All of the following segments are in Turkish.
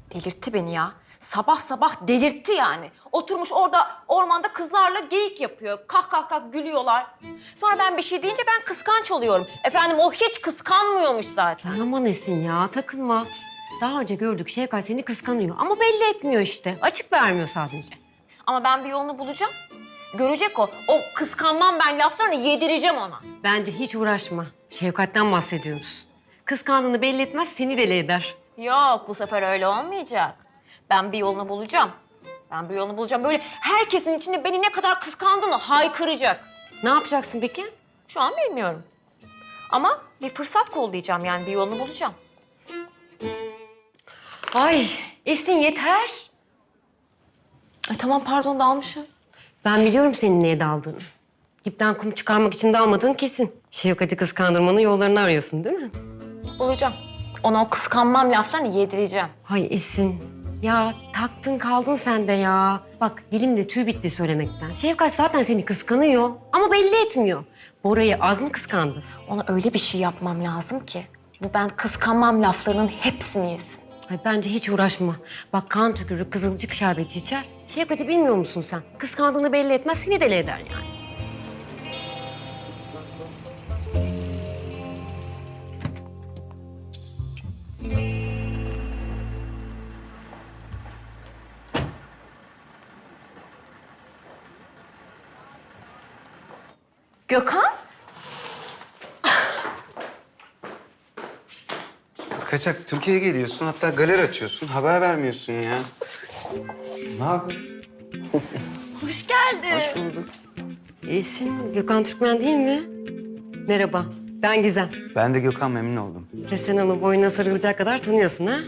Delirtti beni ya. Sabah sabah delirtti yani. Oturmuş orada ormanda kızlarla geyik yapıyor. Kah kah kah gülüyorlar. Sonra ben bir şey deyince ben kıskanç oluyorum. Efendim o hiç kıskanmıyormuş zaten. Aman Esin ya, takılma. Daha önce gördük, Şevkat seni kıskanıyor ama belli etmiyor işte. Açık vermiyor sadece. Ama ben bir yolunu bulacağım. Görecek o. O kıskanmam ben laflarını yedireceğim ona. Bence hiç uğraşma. Şefkat'ten bahsediyoruz. Kıskandığını belli etmez, seni deli eder. Yok bu sefer öyle olmayacak. Ben bir yolunu bulacağım. Ben bir yolunu bulacağım. Böyle herkesin içinde beni ne kadar kıskandığını haykıracak. Ne yapacaksın peki? Şu an bilmiyorum. Ama bir fırsat kollayacağım yani bir yolunu bulacağım. Ay Esin yeter. Ay tamam pardon dalmışım. Ben biliyorum senin neye daldığını. Dipten kum çıkarmak için dalmadığın kesin. Şefkat'i kıskandırmanın yollarını arıyorsun değil mi? Bulacağım. Ona o kıskanmam laflarını yedireceğim. Hay Esin. Ya taktın kaldın sen de ya. Bak dilimde tüy bitti söylemekten. Şefkat zaten seni kıskanıyor ama belli etmiyor. Bora'yı az mı kıskandı? Ona öyle bir şey yapmam lazım ki bu ben kıskanmam laflarının hepsini yesin. Ay bence hiç uğraşma. Bak kan tükürür, kızılcık şerbeti içer. Şefkat'i bilmiyor musun sen? Kıskandığını belli etmez, seni deli eder yani. Gökhan? Kız kaçak Türkiye'ye geliyorsun, hatta galeri açıyorsun, haber vermiyorsun ya. Ne yapıyorsun? Hoş geldin. Hoş bulduk. Esin, Gökhan Türkmen değil mi? Merhaba, ben Gizem. Ben de Gökhan, memnun oldum. Ve sen onu boynuna sarılacak kadar tanıyorsun ha?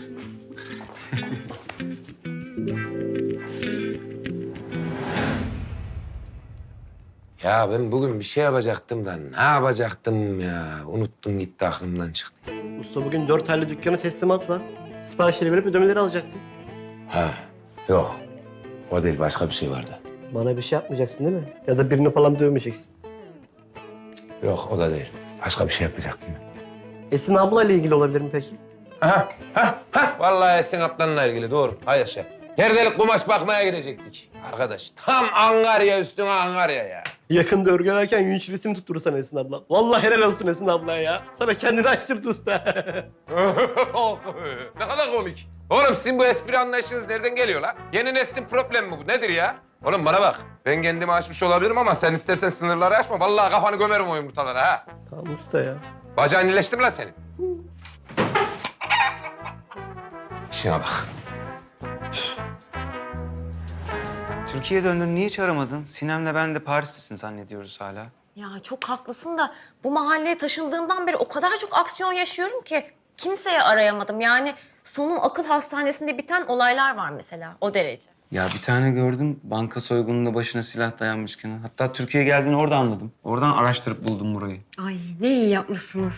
Ya ben bugün bir şey yapacaktım da ne yapacaktım ya? Unuttum gitti aklımdan çıktı. Usta bugün 4 aylı dükkanı teslimat var. Siparişleri verip ödemeleri alacaktın. Ha yok. O değil başka bir şey vardı. Bana bir şey yapmayacaksın değil mi? Ya da birini falan dövmeyeceksin. Yok o da değil. Başka bir şey yapacaktım. Esin ablayla ilgili olabilir mi peki? Ha. Vallahi Esin ablanla ilgili doğru. Hayır şey. Yerdelik kumaş bakmaya gidecektik. Arkadaş tam Angarya üstüne Angarya ya. Yakında örgü örerken yünç resim tutturursan Esin abla. Vallahi helal olsun Esin ablaya ya. Sana kendini açtırdı usta. Ne kadar komik. Oğlum sizin bu espri anlayışınız nereden geliyor la? Yeni neslin problemi mi bu? Nedir ya? Oğlum bana bak. Ben kendimi aşmış olabilirim ama sen istersen sınırları aşma. Vallahi kafanı gömerim o yumurtalara ha. Tamam usta ya. Bacağın iyileşti mi lan senin? İşine bak. Türkiye'ye döndün, niye hiç aramadın? Sinem'le ben de Paris'tesin zannediyoruz hala. Ya çok haklısın da bu mahalleye taşındığımdan beri o kadar çok aksiyon yaşıyorum ki kimseye arayamadım. Yani sonu akıl hastanesinde biten olaylar var mesela o derece. Ya bir tane gördüm, banka soygununda başına silah dayanmışken. Hatta Türkiye'ye geldiğini orada anladım. Oradan araştırıp buldum burayı. Ay ne iyi yapmışsınız.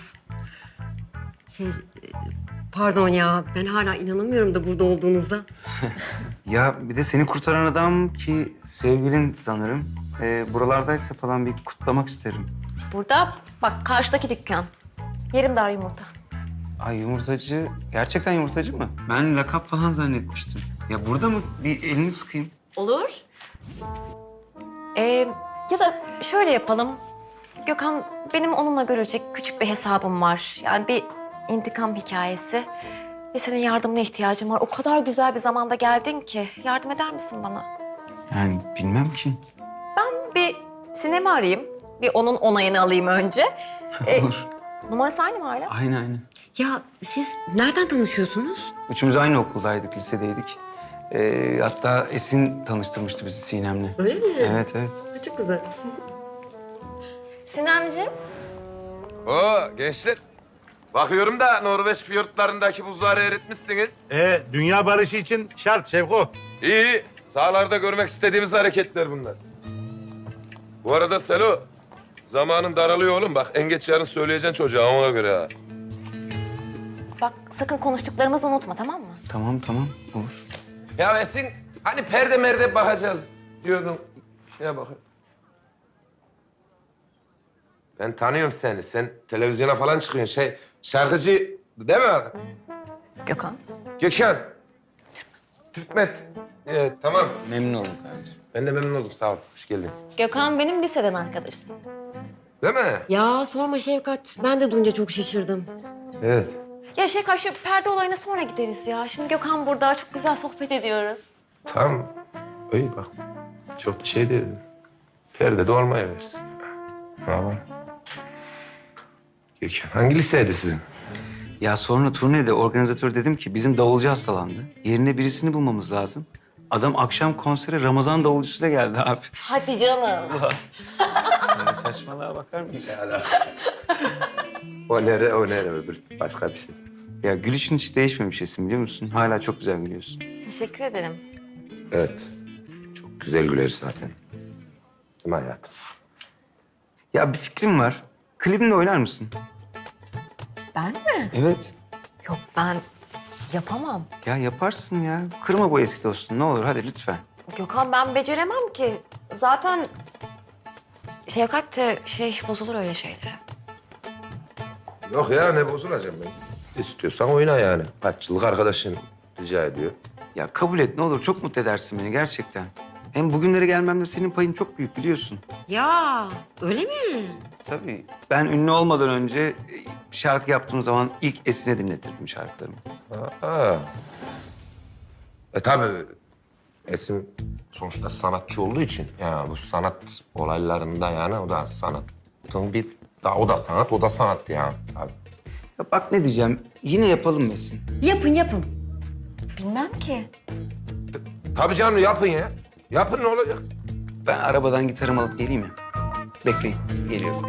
Pardon ya, ben hala inanamıyorum da burada olduğunuza. Ya bir de seni kurtaran adam ki sevgilin sanırım. Buralardaysa falan bir kutlamak isterim. Burada bak karşıdaki dükkan. Yerim dar yumurta. Ay yumurtacı, gerçekten yumurtacı mı? Ben lakap falan zannetmiştim. Ya burada mı? Bir elini sıkayım. Olur. Ya da şöyle yapalım. Gökhan benim onunla görecek küçük bir hesabım var. Yani bir intikam hikayesi. Ve senin yardımına ihtiyacım var. O kadar güzel bir zamanda geldin ki. Yardım eder misin bana? Yani bilmem ki. Bir sinema arayayım. Bir onun onayını alayım önce. Olur. Numarası aynı mı hala? Aynı. Ya siz nereden tanışıyorsunuz? Üçümüz aynı okuldaydık, lisedeydik. Hatta Esin tanıştırmıştı bizi Sinem'le. Öyle mi? Evet. Çok güzel. Sinemciğim. Oo gençler. Bakıyorum da Norveç fiyortlarındaki buzları eritmişsiniz. Dünya barışı için şart Şevko. İyi. Sahalarda görmek istediğimiz hareketler bunlar. Bu arada Selo, zamanın daralıyor oğlum. Bak en geç yarın söyleyeceksin çocuğa ona göre ha. Bak sakın konuştuklarımızı unutma tamam mı? Tamam, olur. Ya Esin, hani perde merde bakacağız diyordun. Şeye bakın. Ben tanıyorum seni. Sen televizyona falan çıkıyorsun. Şarkıcı değil mi? Gökhan. Gökhan. Türkmet. Evet, tamam. Memnun oldum kardeşim. Ben de memnun oldum, sağ ol. Hoş geldin. Gökhan benim liseden arkadaşım. Değil mi? Ya sorma Şevkat. Ben de duyunca çok şaşırdım. Evet. Ya Şevkat şu perde olayına sonra gideriz ya. Şimdi Gökhan burada çok güzel sohbet ediyoruz. Tamam. İyi bak. Çok bir şey değil. Perde de olmaya versin. Tamam. Gökhan, hangi liseydi sizin? Ya sonra turnede organizatör dedim ki bizim davulcu hastalandı. Yerine birisini bulmamız lazım. Adam akşam konsere Ramazan davulcusuyla geldi abi. Hadi canım. Yani saçmalığa bakar mısın? O nere öbür başka bir şey. Ya gülüşün hiç değişmemiş Esin biliyor musun? Hala çok güzel gülüyorsun. Teşekkür ederim. Evet. Çok güzel güler zaten. Değil mi hayatım? Ya bir fikrim var. Klibimle oynar mısın? Ben mi? Evet. Yok ben yapamam. Ya yaparsın ya. Kırma bu eski dostunu ne olur hadi lütfen. Gökhan ben beceremem ki. Zaten Şevkat de bozulur öyle şeylere. Yok ya, ne bozulacağım ben. İstiyorsan oyna yani. Kaç yıllık arkadaşın rica ediyor. Ya kabul et ne olur çok mutlu edersin beni gerçekten. Hem bugünlere gelmemde senin payın çok büyük biliyorsun. Ya öyle mi? Tabii. Ben ünlü olmadan önce şarkı yaptığım zaman ilk Esin'e dinletirdim şarkılarımı. Aa. Tabii. Esin sonuçta sanatçı olduğu için yani bu sanat olaylarında yani o da sanatın bir daha o da sanat yani. Tabii. Ya bak ne diyeceğim. Yine yapalım Esin. Yapın. Bilmem ki. Tabii canım yapın ya. Yapın ne olacak? Ben arabadan gitarımı alıp geleyim mi? Bekleyin. Geliyorum.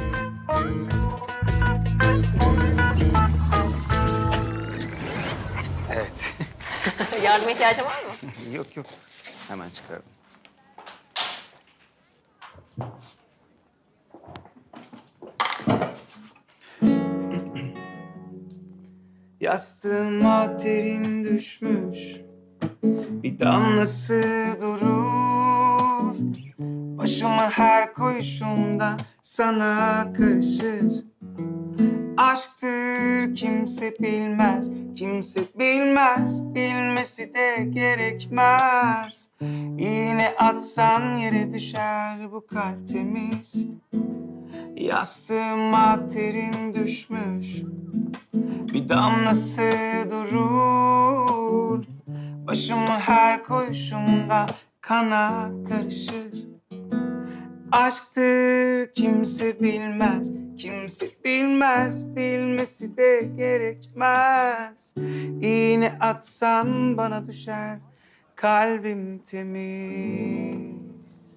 Evet. Yardıma ihtiyacın var mı? Yok. Hemen çıkardım. Yastığıma terin düşmüş, bir damlası durur. Başımı her koyuşumda sana karışır. Aşktır kimse bilmez, bilmesi de gerekmez. İğne atsan yere düşer bu kalp temiz. Yastığıma terin düşmüş, bir damlası durur. Başımı her koyuşumda kana karışır. Aşktır kimse bilmez, bilmesi de gerekmez. İğne atsan bana düşer, kalbim temiz.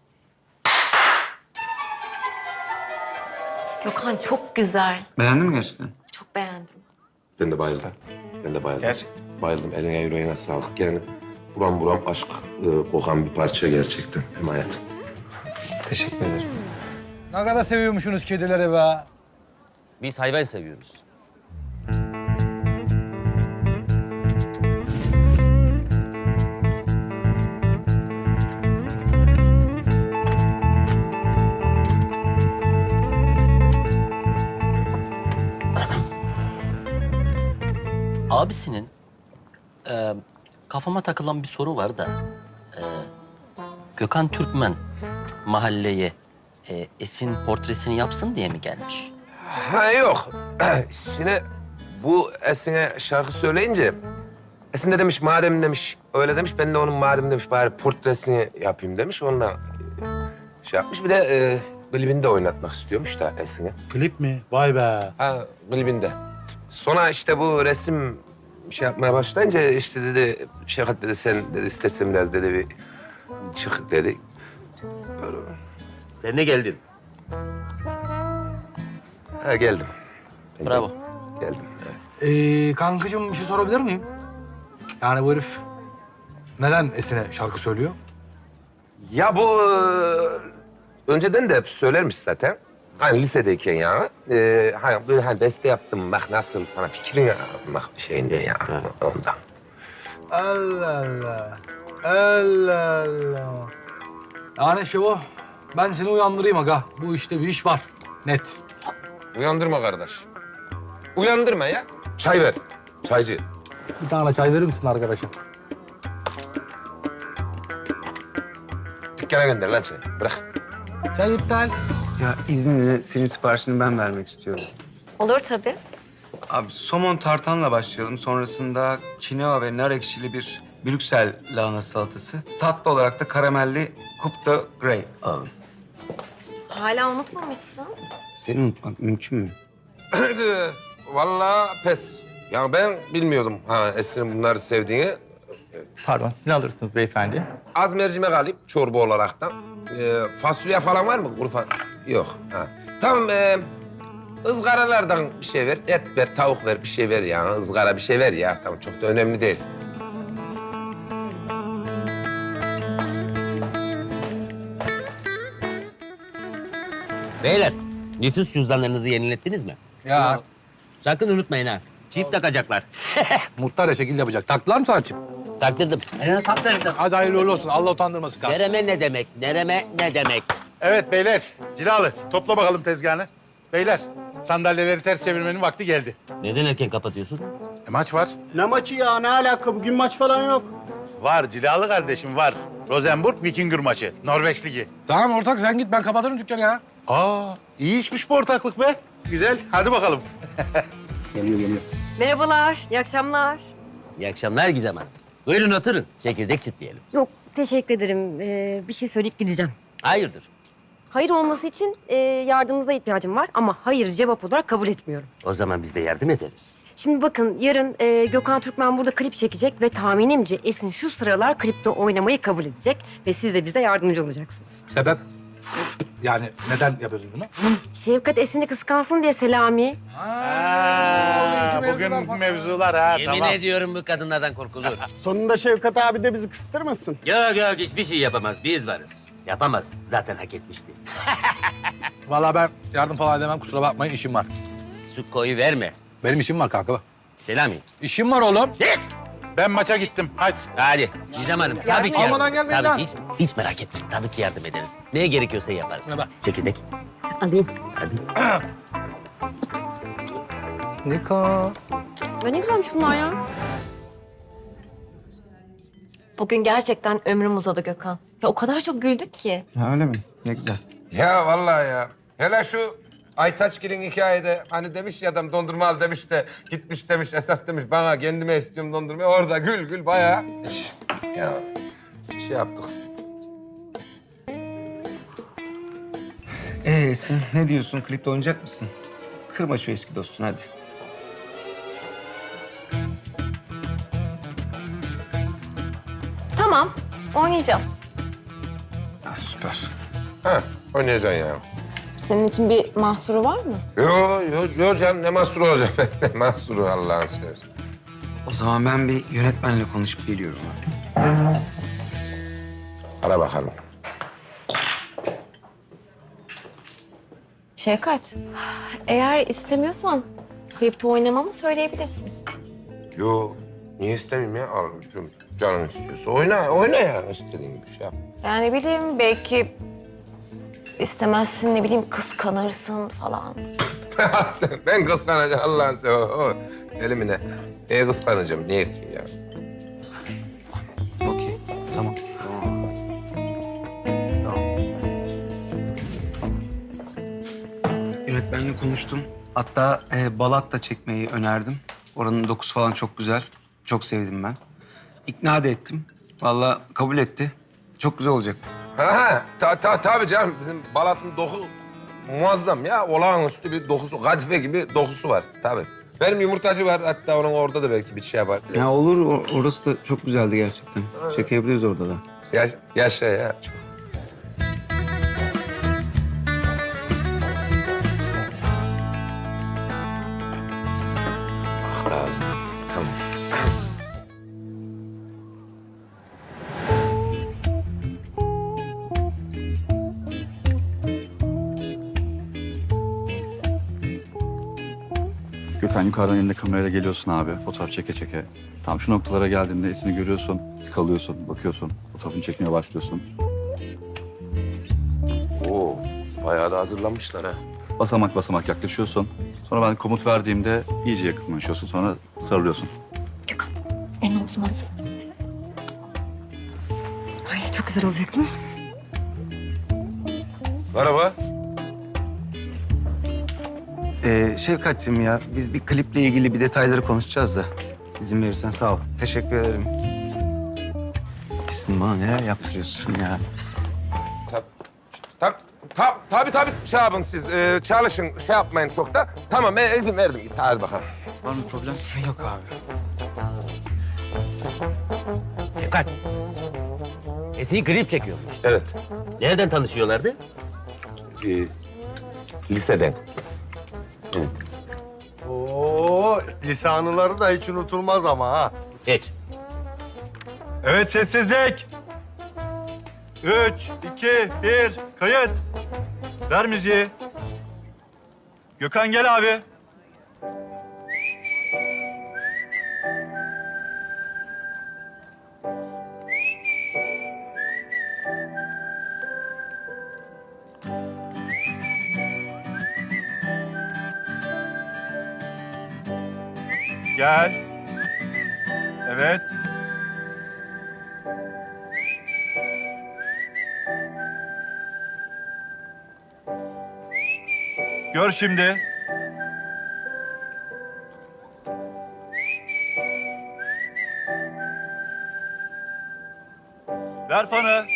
Gökhan çok güzel. Beğendin mi gerçekten? Çok beğendim. Ben de bayıldım. Gerçekten. Bayıldım. Eline yüreğine sağlık. Yani buram aşk kokan bir parça gerçekten. Hem hayatım. Teşekkür ederim. Ne kadar seviyormuşsunuz kedileri be. Biz hayvan seviyoruz. Abisinin kafama takılan bir soru var da Gökhan Türkmen mahalleye Esin portresini yapsın diye mi gelmiş? Ha yok. Şimdi bu Esin'e şarkı söyleyince Esin de demiş madem demiş öyle demiş ben de onun madem demiş bari portresini yapayım demiş. Onunla şey yapmış. Bir de klibini de oynatmak istiyormuş da Esin'e. Klip mi? Vay be. Ha klibinde. Sonra işte bu resim şey yapmaya başlayınca işte dedi Şevkat dedi sen dedi istersen biraz dedi bir çık dedi. Böyle. Sen de geldin. Ha geldim. Ben Bravo. Geldim. Evet. Kankacığım bir şey sorabilir miyim? Yani bu herif neden Esin'e şarkı söylüyor? Ya bu önceden de hep söylermiş zaten. Hani lisedeyken yani. Hani böyle hani beste yaptım bak nasıl bana fikrini almak şeyinde ya ondan. Allah Allah. Allah Allah. Yani Şevo, ben seni uyandırayım aga. Bu işte bir iş var. Net. Uyandırma kardeş. Uyandırma ya. Çay ver. Çaycı. Bir tane çay verir misin arkadaşım? dükkana gönder lan çay. Bırak. Çay iptal. Ya izninle senin siparişini ben vermek istiyorum. Olur tabii. Abi somon tartanla başlayalım. Sonrasında kinoa ve nar ekşili bir Brüksel lahana salatası. Tatlı olarak da karamelli Coupe de Grey alalım. Hala unutmamışsın. Seni unutmak mümkün mü? Vallahi pes. Ya ben bilmiyordum Esin'in bunları sevdiğini. Pardon, siz ne alırsınız beyefendi? Az mercimek alayım çorba olaraktan. Fasulye falan var mı? Kuru yok. Ha. Tamam, ızgaralardan bir şey ver. Et ver, tavuk ver, bir şey ver ya. Izgara bir şey ver ya. Tamam, çok da önemli değil. Beyler, nüfus cüzdanlarınızı yenilettiniz mi? Ya Sakın unutmayın ha. Çip takacaklar. muhtar ya şekil yapacak. Taktılar mı sana çip? Taktırdım. Taktırdım. Hadi hayırlı uğurlu olsun. Allah utandırmasın kardeşim. Nereme ne demek? Nereme ne demek? Evet beyler, Cilalı topla bakalım tezgahını. Beyler, sandalyeleri ters çevirmenin vakti geldi. Neden erken kapatıyorsun? Maç var. Ne maçı ya? Ne alaka? Bugün maç falan yok. Var Cilalı kardeşim var. Rosenborg Vikingur maçı, Norveç Ligi. Tamam ortak sen git ben kapatırım dükkanı ya. Aa, iyi işmiş bu ortaklık be. Güzel, hadi bakalım. Merhabalar, iyi akşamlar. İyi akşamlar Gizem Hanım. Buyurun oturun. Çekirdek çitleyelim. Yok, teşekkür ederim. Bir şey söyleyip gideceğim. Hayırdır? Hayır olması için yardımınıza ihtiyacım var ama hayır cevap olarak kabul etmiyorum. O zaman biz de yardım ederiz. Şimdi bakın yarın Gökhan Türkmen burada klip çekecek ve tahminimce Esin şu sıralar klipte oynamayı kabul edecek ve siz de bize yardımcı olacaksınız. Sebep? Yani neden yapıyorsun bunu? Şevkat Esin'i kıskansın diye Selami. Bugün mevzular ha, Yemin tamam. ediyorum bu kadınlardan korkulur. Sonunda Şevkat abi de bizi kıstırmasın. Yok yok hiçbir şey yapamaz. Biz varız. Yapamaz. Zaten hak etmişti. Vallahi ben yardım falan edemem kusura bakmayın işim var. Su koyu verme. Benim işim var kanka bak. Selami. İşim var oğlum. Git. Ben maça gittim, hadi. Hadi Gizem Hanım. Tabii ki almadan yardım. gelmeyin Tabii lan. ki hiç merak etmeyin. Tabii ki yardım ederiz. Neye gerekiyorsa yaparız. Ne bak? Çekirdek. Alayım. Hadi. Niko. Ya ne güzelmiş bunlar ya. Bugün gerçekten ömrüm uzadı Gökhan. Ya o kadar çok güldük ki. Ha öyle mi? Ne güzel. Ya vallahi ya. Hele şu Aytaçgil'in hikayede hani demiş ya adam dondurma al demiş de gitmiş demiş esas demiş bana kendime istiyorum dondurmayı. Orada gül gül bayağı iş. Ya bir şey yaptık. Esin ne diyorsun? Klipte oynayacak mısın? Kırma şu eski dostunu hadi. Tamam, oynayacağım. Ah, süper. Ha oynayacaksın ya. Senin için bir mahsuru var mı? Yo canım ne mahsuru olacak ne mahsuru Allah'ını seversen. O zaman ben bir yönetmenle konuşup geliyorum abi. Ara bakalım. Şevkat, eğer istemiyorsan klipte oynamamı söyleyebilirsin. Yo niye istemeyeyim ya? Al, canın istiyorsa oyna ya istediğin gibi şey yap. Yani bileyim belki istemezsin, ne bileyim kıskanırsın falan. Ben kıskanacağım Allah'ını seversen. Elimine. Neye kıskanacağım? Niye ki ya? Okey, tamam. Yönetmenle konuştum. Hatta Balat da çekmeyi önerdim. Oranın dokusu falan çok güzel. Çok sevdim ben. İkna da ettim. Vallahi kabul etti. Çok güzel olacak. Tabii canım. Bizim Balat'ın doku muazzam ya. Olağanüstü bir dokusu, kadife gibi dokusu var. Tabii. Benim yumurtacı var. Hatta onun orada da belki bir şey yapar. Ya olur, orası da çok güzeldi gerçekten. Çekebiliriz orada da. Yaşa ya. Çok. Ah lazım. Tamam. Gökhan yukarıdan elinde kamerayla geliyorsun abi. Fotoğraf çeke çeke. Tam şu noktalara geldiğinde Esin'i görüyorsun. Kalıyorsun, bakıyorsun. Fotoğrafını çekmeye başlıyorsun. Oo, bayağı da hazırlanmışlar ha. Basamak basamak yaklaşıyorsun. Sonra ben komut verdiğimde iyice yakınlaşıyorsun. Sonra sarılıyorsun. Gökhan, elini omzuma at. Ay çok güzel olacak değil mi? Merhaba. Şefkatciğim ya, biz bir kliple ilgili bir detayları konuşacağız da. İzin verirsen sağ ol. Teşekkür ederim. Gitsin bana neler yaptırıyorsun ya. Tabii şey yapın siz. Çalışın, şey yapmayın çok da. Tamam ben izin verdim. Git hadi bakalım. Var mı problem? Yok abi. Şefkat. Esin'i klip çekiyormuş. Evet. Nereden tanışıyorlardı? Liseden. Oo, lise anıları da hiç unutulmaz ama ha. Hiç. Evet, sessizlik. 3, 2, 1, kayıt. Ver müziği. Gökhan gel abi. Gel. Evet. Gör şimdi. Ver fanı.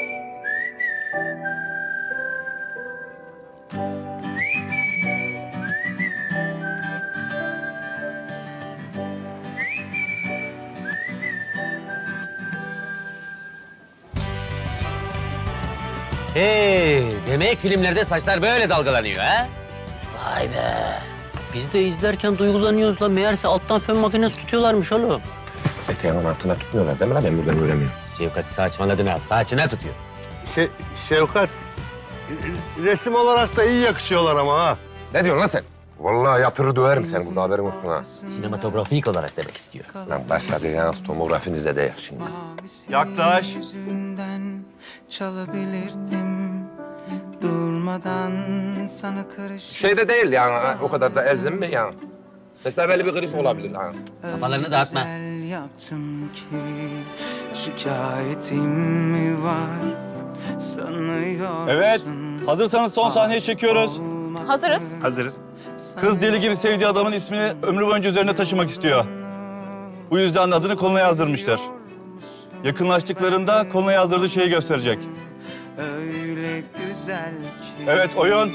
Demek filmlerde saçlar böyle dalgalanıyor ha? Vay be. Biz de izlerken duygulanıyoruz lan. Meğerse alttan fön makinesi tutuyorlarmış oğlum. Eteğinin altına tutmuyorlar değil mi lan? Ben buradan göremiyorum. Şefkat saçmaladı mı? Saçına tutuyor. Şevkat, resim olarak da iyi yakışıyorlar ama ha. Ne diyorsun lan sen? Vallahi yatırır döverim seni burada haberin olsun ha. Sinematografik olarak demek istiyor. Lan başlayacağınız tomografinizde de yer şimdi. Yaklaş. Çalabilirdim durmadan sana karış. Şeyde değil yani o kadar da elzem mi yani? Mesela böyle bir grip olabilir ha. Kafalarını dağıtma. Yaptım ki şikayetim mi var sanıyorsun. Evet. Hazırsanız son sahneyi çekiyoruz. Hazırız. Hazırız. Kız deli gibi sevdiği adamın ismini ömrü boyunca üzerine taşımak istiyor. Bu yüzden de adını koluna yazdırmıştır. Yakınlaştıklarında koluna yazdırdığı şeyi gösterecek. Öyle güzel ki. Evet, oyun.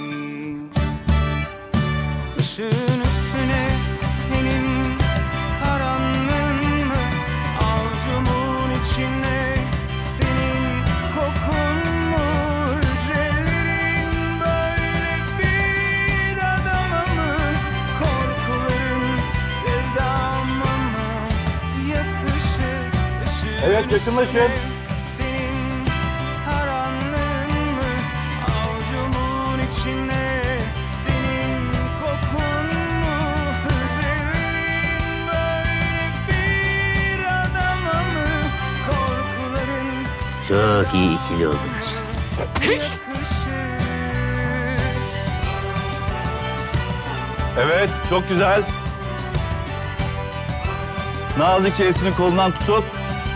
Işığın üstüne senin karanlığın mı? Avcumun içine senin kokun mu? Hücrelerin böyle bir adama mı? Korkuların sevdama mı yakışır? Işığın Evet, yakınlaşın. üstüne senin karanlığın mı? Avucumun içine senin kokun mu? Hücrelerin böyle bir adama mı? Korkuların Çok iyi ikili oldular. yakışır. Evet, çok güzel. Nazikçe Esin'in kolundan tutup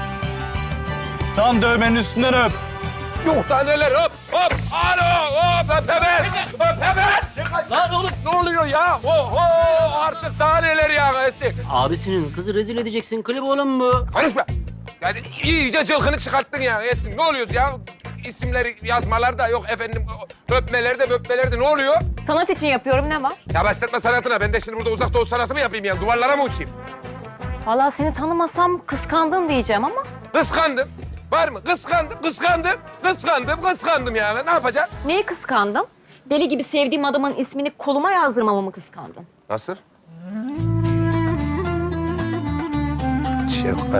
tam dövmenin üstünden öp. Yok da neler hop hop. Alo hop öpemez. Öpemez. Lan oğlum. Ne oluyor ya? Oho artık daha neler ya Esin. Abisinin kızı rezil edeceksin. Klip oğlum bu. Konuşma. Yani iyice cılkını çıkarttın ya Esin. Ne oluyoruz ya? İsimleri yazmalar da yok efendim öpmeler de ne oluyor? Sanat için yapıyorum, ne var? Ya başlatma sanatına. Ben de şimdi burada uzak doğu sanatı mı yapayım yani? Duvarlara mı uçayım? Vallahi seni tanımasam kıskandın diyeceğim ama. Kıskandım. Var mı? Kıskandım yani. Ne yapacağım? Neyi kıskandın? Deli gibi sevdiğim adamın ismini koluma yazdırmamı mı kıskandın? Nasıl? Şefkat.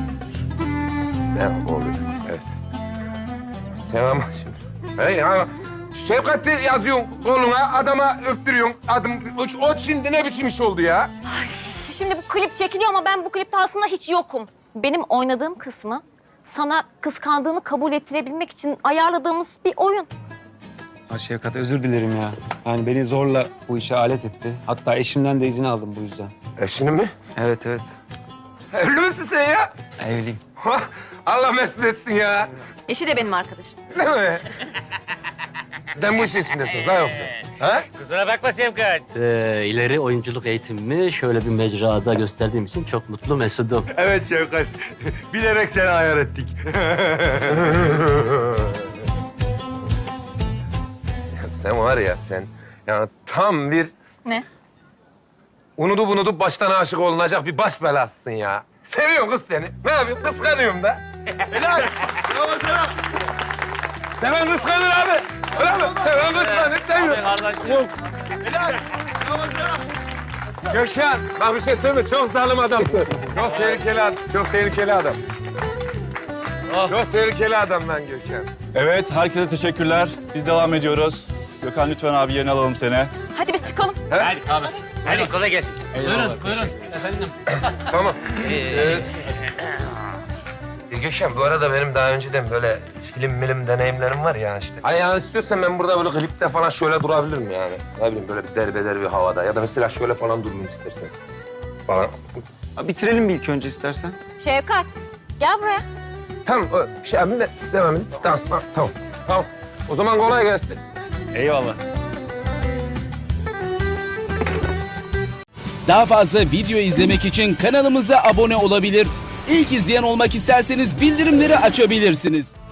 Ne oluyor? Evet. Sen ama şimdi... Hey ya, Şefkat'i yazıyorsun koluna, adama öptürüyorsun. O şimdi ne biçim iş oldu ya? Şimdi bu klip çekiliyor ama ben bu klipte aslında hiç yokum. Benim oynadığım kısmı sana kıskandığını kabul ettirebilmek için ayarladığımız bir oyun. Ha Şevkat, özür dilerim ya. Yani beni zorla bu işe alet etti. Hatta eşimden de izin aldım bu yüzden. Eşini mi? Evet, evet. Evli misin sen ya? Evliyim. Allah mesut etsin ya. Eşi de benim arkadaşım. Değil mi? Sizden bu işin içindesiniz ha yoksa? Ha? Kusura bakma Şevkat. İleri oyunculuk eğitimimi şöyle bir mecrada gösterdiğim için çok mutlu mesudum. Evet Şevkat. Bilerek seni ayar ettik. Ya sen var ya sen yani tam bir Ne? unutup baştan aşık olunacak bir baş belasısın ya. Seviyorum kız seni. Ne yapayım? Kıskanıyorum da. Helal. Bravo sana. Seven kıskanır abi. Öyle mi? Seven kıskanır, seviyor. Kardeşim. Helal. Bravo sana. Gökhan, bak bir şey söyleyeyim. Çok zalim adam. Çok tehlikeli adam. Çok tehlikeli adam. Çok tehlikeli adam lan Gökhan. Evet, herkese teşekkürler. Biz devam ediyoruz. Gökhan lütfen abi yerine alalım seni. Hadi biz çıkalım. Hadi abi. Hadi kolay gelsin. Buyurun. Efendim. Tamam. Gökhan, bu arada benim daha önceden böyle film deneyimlerim var ya işte. Ay yani istiyorsan ben burada böyle klipte falan şöyle durabilirim yani. Ne bileyim böyle bir derbeder bir havada. Ya da mesela şöyle falan dururum istersen. Falan. Bitirelim bir ilk önce istersen. Şevkat, gel buraya. Tamam, o şey abi de istemem. Dans var. Tamam. Tamam. O zaman kolay gelsin. Eyvallah. Daha fazla video izlemek için kanalımıza abone olabilir. İlk izleyen olmak isterseniz bildirimleri açabilirsiniz.